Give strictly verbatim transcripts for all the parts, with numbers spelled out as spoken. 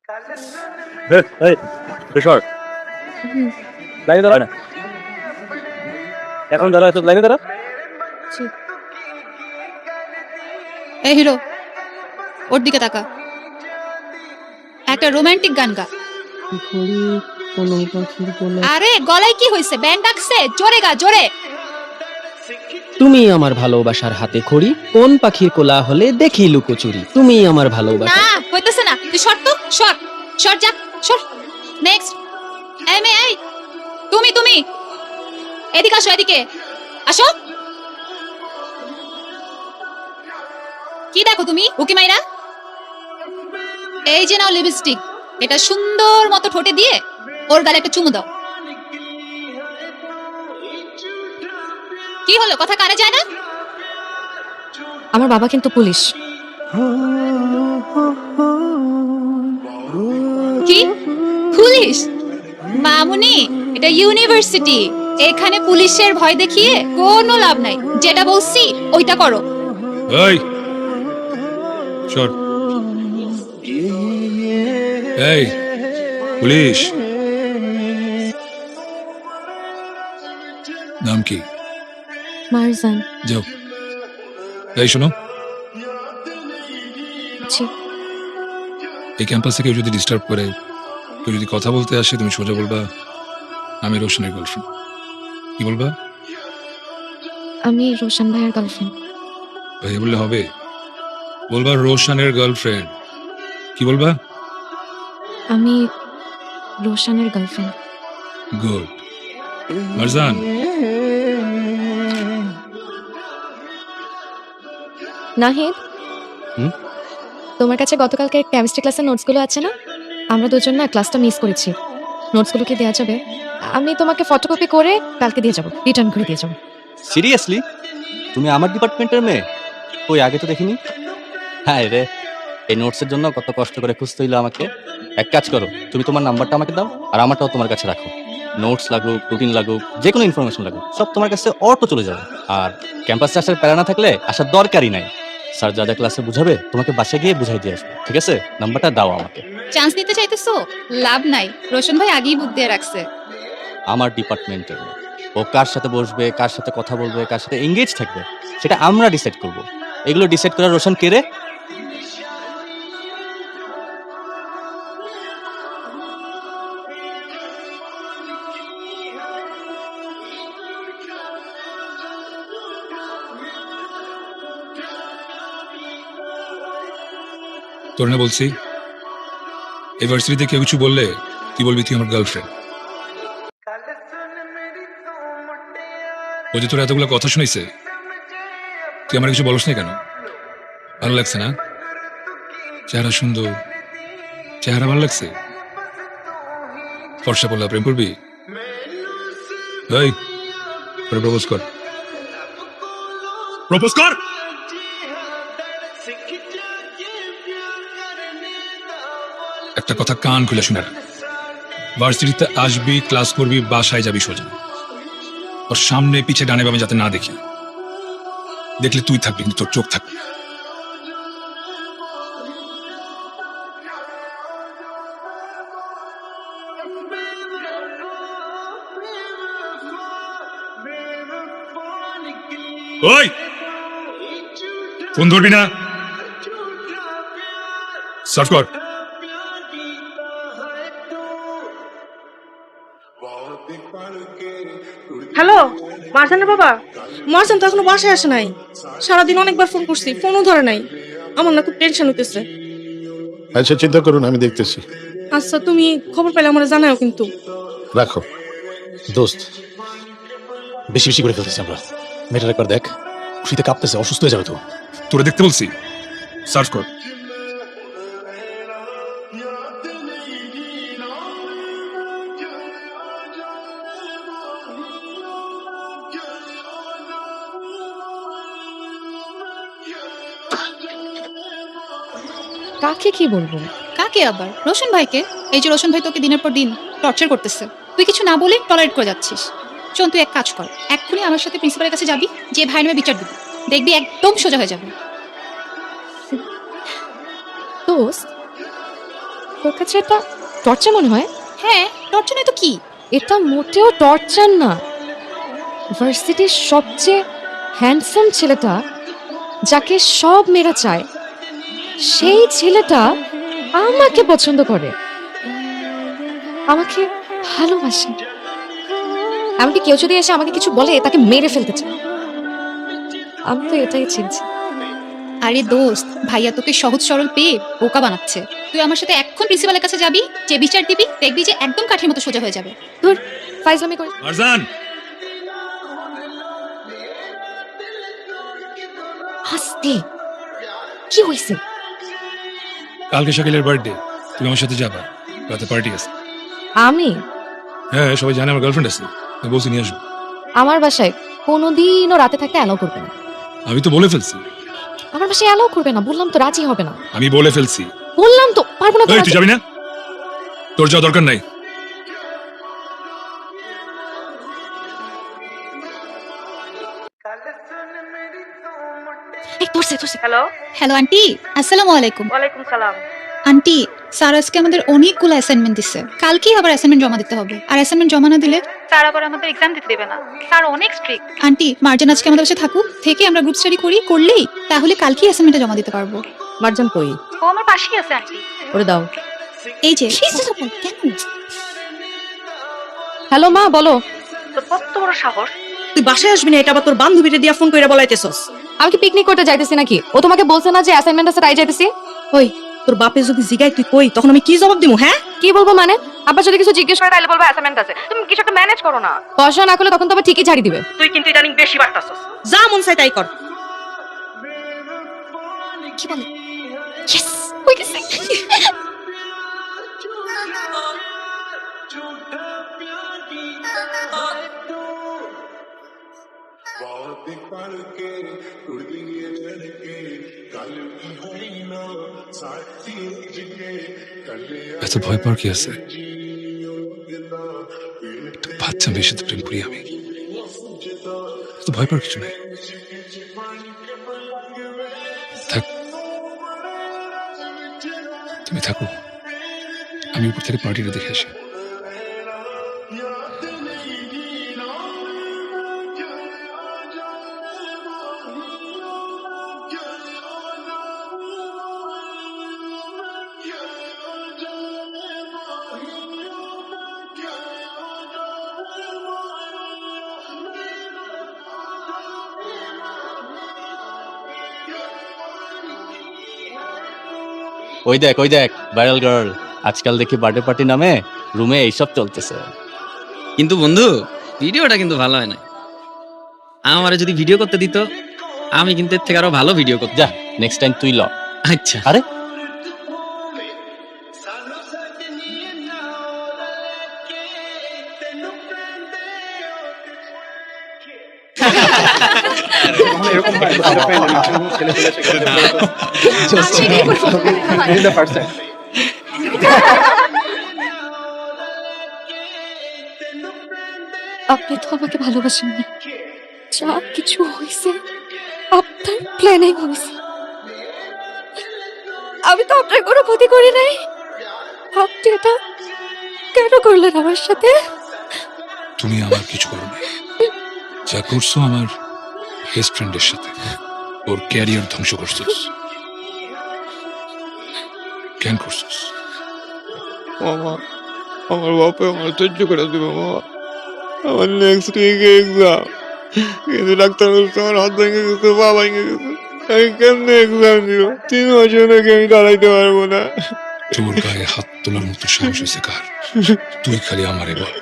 এই কিশোর হুম, লাইনে দাঁড়া না, এখন দাঁড়া, লাইনে দাঁড়া। জি। এই হিরো, ওর দিকে তাকা, একটা রোমান্টিক গান গা। ঘড়ি কোনো পাখির কোলা। আরে গলায় কি হয়েছে? ব্যান্ড ডাকছে, জোরে গা, জোরে। তুমি আমার ভালোবাসার হাতে খড়ি, কোন পাখির কোলা হলে দেখি লুকোচুরি। তুমি আমার ভালোবাসা। না হইতেছে না, তুই সর তো, সর সর, যা সর। নেক্সট। এই মেয়ে, এই তুমি তুমি এদিকে আসো, এদিকে আসো। কি দেখো তুমি উকি মাইরা? এই যে নাও লিপস্টিক, এটা সুন্দর মতো ঠোঁটে দিয়ে ওর গালে একটা চুমু দাও। কি হলো, কথা কানে যায় না? আমার বাবা কিন্তু পুলিশ। কি পুলিশ? মামুনি, এটা ইউনিভার্সিটি, এখানে পুলিশের ভয় দেখিয়ে কোনো লাভ নাই। যেটা বলছি ওইটা করো। এই সর। এই পুলিশ, নাম কি? মারজান। যাও। এই শোনো, জি। এই ক্যাম্পাসে কেউ যদি ডিস্টার্ব করে, কেউ যদি কথা বলতে আসে, তুমি সোজা বলবা আমি রোশনের গার্লফ্রেন্ড। কি বলবা? আমি রোশন ভাইয়ের গার্লফ্রেন্ড। ভাইয়া বললে হবে? বলবা রোশনের গার্লফ্রেন্ড। কি বলবা? আমি রোশনের গার্লফ্রেন্ড। গুড। মারজান, নাহিদ, হুম? তোমার কাছে গতকালকে কেমিস্ট্রি ক্লাসের নোটসগুলো আছে না? আমরা দুজন না ক্লাসটা মিস করেছি। নোটসগুলো কি দেওয়া যাবে? আমি তোমাকে ফটোকপি করে কালকে দিয়ে যাবো, রিটার্ন করে দিয়ে যাবো। সিরিয়াসলি? তুমি আমার ডিপার্টমেন্টের মেয়ে? ওই আগে তো দেখিনি। হ্যাঁ রে, এই নোটসের জন্য কত কষ্ট করে খুঁজতে হইলো আমাকে। এক কাজ করো, তুমি তোমার নাম্বারটা আমাকে দাও, আর আমারটাও তোমার কাছে রাখো। নোটস লাগুক, রুটিন লাগুক, যে কোনো ইনফরমেশন লাগুক, সব তোমার কাছে অটো চলে যাবে। আর ক্যাম্পাসে আসার প্যারা না থাকলে আসার দরকারই নাই। স্যার যা যা ক্লাসে বুঝাবে তোমাকে বাসায় গিয়ে বুঝাই দিয়ে আসবে, ঠিক আছে? নাম্বারটা দাও আমাকে। চান্স নিতে চাইতেছো? লাভ নাই, রোশন ভাই আগেই বুক দিয়ে রাখছে। আমার ডিপার্টমেন্টের মেয়ে। ও কার সাথে বসবে, কার সাথে কথা বলবে, কার সাথে এঙ্গেজ থাকবে, সেটা আমরা ডিসাইড করব। এগুলো ডিসাইড করার রোশন কে রে? তোর না বলছি, এই ভার্সিটিতে কেউ কিছু বললে তুই বলবি তুই আমার গার্লফ্রেন্ড। ও যে তোর এতগুলো কথা শুনেছে, তুই আমার কিছু বলস না কেন? ভালো লাগছে না? চেহারা সুন্দর, চেহারা ভালো লাগছে। ফর্সা বললা প্রেম করবি? এই প্রপোজ কর, প্রপোজ কর। একটা কথা কান খুলে শুনে রাখ, ভার্সিটিতে আসবি, ক্লাস করবি, বাসায় যাবি সোজা। ওর সামনে পিছে ডানে বামে যাতে না দেখি। দেখলে তুই থাকবি, কিন্তু তোর চোখ থাকবে। ওই ফোন ধরবি না, সার্চ কর। হ্যালো, মারজানের বাবা? মারজান তো এখনো বাসায় আসে নাই। সারাদিন অনেকবার ফোন করছি, ফোনও ধরে নাই। আমার না খুব টেনশন হইতেছে। আচ্ছা চিন্তা করুন, আমি দেখতেছি। আচ্ছা, তুমি খবর পেলে আমার জানাও কিন্তু। রাখো। দোস্ত, বেশি বেশি করে ফেলতেছি আমরা। মেয়েটার একবার দেখ, খুশিতে কাঁপতেছে, অসুস্থ হয়ে যাবে তো। তোরা দেখতে বলছি, সার্চ কর। কাকে কি বলবো? কাকে আবার? রোশন ভাইকে। এই যে রোশন ভাই তোকে দিনের পর দিন টর্চার করতেছে, তুই কিছু না বলে টলারেট করে যাচ্ছিস। শোন, তুই এক কাজ কর, এক্ষুনি আমার সাথে প্রিন্সিপালের কাছে যাবি, যে ভাই নামে বিচার দিবি, দেখবি একদম সোজা হয়ে যাবে। দোস্ত, তোর কাছে এটা টর্চার মনে হয়? হ্যাঁ, টর্চার নয় তো কি? এটা মোটেও টর্চার না। ভার্সিটির সবচেয়ে হ্যান্ডসাম ছেলেটা, যাকে সব মেয়েরা চায়, সেই ছেলেটা আমাকে পছন্দ করে, আমাকে ভালোবাসে। এমনকি কেউ যদি এসে আমাকে কিছু বলে তাকে মেরে ফেলতে চায়। আমি তো এটাই চিনছি। আরে দোস্ত, ভাইয়া তোকে সহজ সরল পেয়ে বোকা বানাচ্ছে। তুই আমার সাথে এখন প্রিন্সিপালের কাছে যাবি, যে বিচার দিবি, দেখবি যে একদম কাঠির মতো সোজা হয়ে যাবে। তোর ফাইজলামি করে মারজান, হাসতে কি হয়েছে? কালকে শাকিলের বার্থডে, তুমি আমার সাথে যাবা, রাতে পার্টি আছে। আমি হ্যাঁ, সবাই জানে আমার গার্লফ্রেন্ড আছে, আমি বলছি নিয়ে আসবো। আমার বাসায় কোনোদিনও রাতে থাকতে অ্যালাউ করবে না। আমি তো বলে ফেলছি। আমার বাসায় অ্যালাউ করবে না, বললাম তো, রাজি হবে না। আমি বলে ফেলছি। বললাম তো পারবো না তো এই, রাজি- তুই যাবি না? তোর যাওয়া দরকার নাই। এই ধরছে ধরছে হ্যালো, হ্যালো আন্টি, আসসালামু আলাইকুম। ওয়ালাইকুম সালাম। আন্টি, স্যার আজকে আমাদের অনেকগুলো অ্যাসাইনমেন্ট দিচ্ছে। কালকেই আবার অ্যাসাইনমেন্ট জমা দিতে হবে। আর অ্যাসাইনমেন্ট জমা না দিলে স্যার আবার আমাদের এক্সাম দিতে দেবে না। স্যার অনেক স্ট্রিক্ট। আন্টি, মার্জান আজকে আমাদের কাছে থাকুক, থেকে আমরা গ্রুপ স্টাডি করি, করলেই তাহলে কালকেই অ্যাসাইনমেন্টটা জমা দিতে পারবো। মার্জান কই? ও আমার পাশেই আছে আন্টি। ওরে দাও। এই যে কেন? হ্যালো মা, বলো। তোর কত বড় সাহস, তুই বাসায় আসবি না, এটা আবার তোর বান্ধবীরে দিয়া ফোন করে বলাইতেছস। আমি কি পিকনিক করতে যাইতেছি নাকি? ও তোমাকে বলছে না যে অ্যাসাইনমেন্ট আছে তাই যাইতেছি? ওই, তোর বাপে যদি জিগাই তুই কই, তখন আমি কি জবাব দিমু? হ্যাঁ, কি বলবো মানে? আব্বা যদি কিছু জিজ্ঞেস করে তাহলে বলবো অ্যাসাইনমেন্ট আছে। তুমি কিছু একটা ম্যানেজ করো না। পড়াশোনা না করলে তখন তো আবার ঠিকই ঝাড়ি দিবে। তুই কিন্তু ইদানিং বেশি বাড়তাছস। যা মন চাই তাই কর। কি বলে? ইয়েস, হয়ে গেছে। এত ভয় পাওয়ার কি আছে? একটা বাচ্চা মেয়ের সাথে প্রেম করি আমি, এত ভয় পাওয়ার কিছু নেই। থাক, তুমি থাকো, আমি উপর থেকে পার্টিটা দেখে আসি। ওই দেখ ওই দেখ ভাইরাল গার্ল, আজকাল দেখি বার্থডে পার্টি নামে রুমে এইসব চলতেছে। কিন্তু বন্ধু, ভিডিওটা কিন্তু ভালো হয় না। আমারে যদি ভিডিও করতে দিত, আমি কিন্তু এর থেকে আরো ভালো ভিডিও করতাম। যা, নেক্সট টাইম তুই ল। আচ্ছা, আরে আপনি তো আমাকে ভালোবাসেন না। যা কিছু হয়েছে আপনার প্ল্যানে হয়েছে। আমি তো আপনার কোনো ক্ষতি করি নাই। আপনি এটা কেন করলেন আমার সাথে? তুমি আমার কিছু করো না, যা করছো আমার বেস্ট ফ্রেন্ডের সাথে, ওর ক্যারিয়ার ধ্বংস করছিস। কেন করছিস? মামা, আমার বাপে আমার সহ্য করে দিবে মামা। আমার নেক্সট উইকে এক্সাম, কিন্তু ডাক্তার বলছে আমার হাত ভেঙে গেছে, পা ভেঙে গেছে। আমি কেমনে এক্সাম দিব? তিন বছর নাকি আমি দাঁড়াইতে পারবো না। তোর গায়ে হাত তোলার মতো সাহস হয়েছে কার? তুই খালি আমারে বল।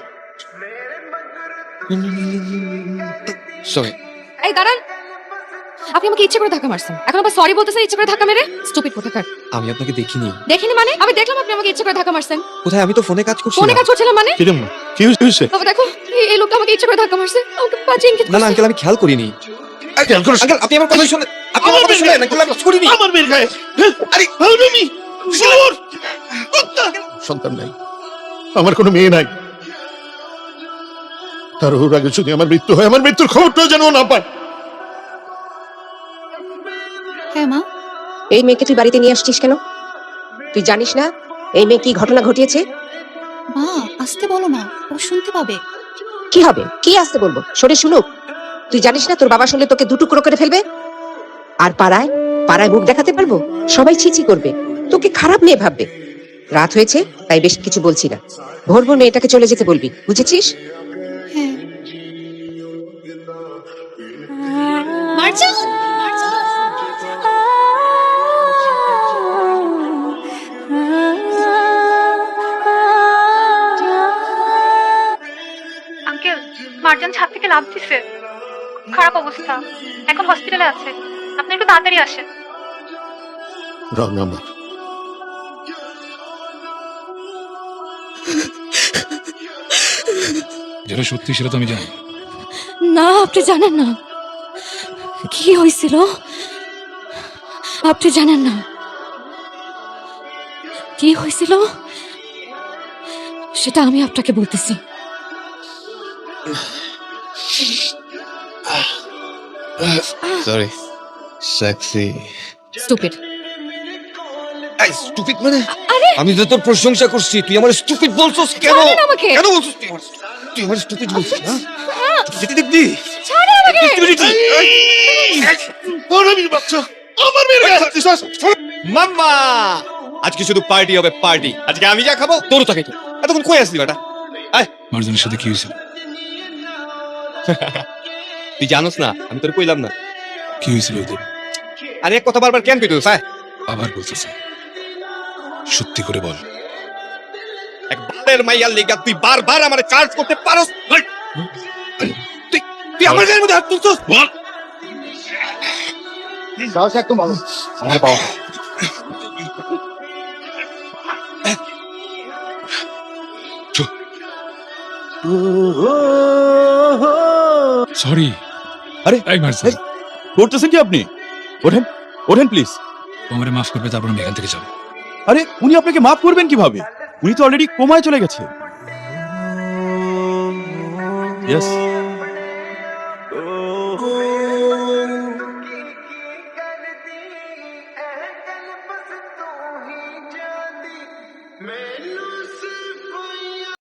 সরি। এই দাঁড়ান, আপনি আমাকে ইচ্ছে করে ধাক্কা মারছেন, এখন আবার সরি বলতেছেন ইচ্ছে করে ধাক্কা মেরে? স্টুপিড কোথাকার। আমি আপনাকে দেখিনি। দেখিনি মানে? আমি দেখলাম আপনি আমাকে ইচ্ছে করে ধাক্কা মারছেন। কোথায়? আমি তো ফোনে কাজ করছি। ফোনে কাজ করছিলাম মানে? কি রে মা? কি হয়েছে? বাবা দেখো, এই- এই লোকটা আমাকে ইচ্ছে করে ধাক্কা মারছে, আমাকে বাজে ইঙ্গিত না না করছে। আঙ্কেল, আমি খেয়াল করিনি। খেয়াল করিস? আঙ্কেল, আপনি আমার কথা শুনেন। আপনি আমার কথা শুনেন, আঙ্কেল, আমি করিনি। আমার মেয়ের গায়ে আরে হারামি শুয়োর কুত্তা। সন্তান নাই, আমার কোনো মেয়ে নাই। তার ওর আগে যদি আমার মৃত্যু হয়, আমার মৃত্যুর খবরটাও যেন ও না পায়। হ্যাঁ মা। এই মেয়েকে তুই বাড়িতে নিয়ে আসছিস কেন? তুই জানিস না এই মেয়ে কি ঘটনা ঘটিয়েছে? মা আসতে বলো না, ও শুনতে পাবে। কি হবে? কি আসতে বলবো? সরে শুনুক। তুই জানিস না তোর বাবা শুনলে তোকে দু টুকরো করে ফেলবে? আর পাড়ায় পাড়ায় মুখ দেখাতে পারবো? সবাই ছিছি করবে, তোকে খারাপ মেয়ে ভাববে। রাত হয়েছে তাই বেশ কিছু বলছি না। ভোর ভোর মেয়েটাকে চলে যেতে বলবি, বুঝেছিস? হ্যাঁ। মার্জান, আঙ্কেল, মার্জান ছাদ থেকে লাফ দিছে, খারাপ অবস্থা, এখন হসপিটালে আছে। আপনি একটু তাড়াতাড়ি আসেন। Wrong number. যেটা সত্যি সেটা তো আমি জানি। না, আপনি জানেন না কি হয়েছিল। আপনি জানেন না কি হয়েছিল, সেটা আমি আপনাকে বলতেছি। Sorry sexy stupid. স্টুপিড মানে আমি তো তোর প্রশংসা করছি, তুই আমার স্টুপিড বলছস কেন? ছাড়েন আমাকে। কেন বলছস তুই আমার তুই আমার স্টুপিড বলছিস? হ্যাঁ যেতে দেখবি ছাড়েন আমাকে। হারামির বাচ্চা, আমার মেয়ের গায়ে হাত দিছস। মাম্মা আজকে শুধু পার্টি হবে, পার্টি। আজকে আমি যা খাবো তোরও তাকে তো। এতক্ষণ কই আসলি বেটা? আয় মার্জানের সাথে কি হয়েছিল? তুই জানোস না, আমি তোর কইলাম না। কি হয়েছিল ওদের? আরে এক কথা বারবার কেন কইতেছ? হ্যাঁ আবার বলতেছে, সত্যি করে বল। এক বারের মাইয়ার লেগা তুই বারবার আমারে চার্জ করতে পারোস? তুই তুই আমার গায়ের মধ্যে হাত তুলছস? বল। সাহস একদম ভালো। আমার বাবা সরি। আরে, এই মার্জান, এই, করতেছেন কি আপনি? ওঠেন, ওঠেন প্লিজ। আমারে মাফ করবে, তারপর আমি এখান থেকে যাবো। আরে উনি আপনাকে মাফ করবেন কিভাবে? উনি তো অলরেডি কোমায় চলে গেছে। ইয়েস,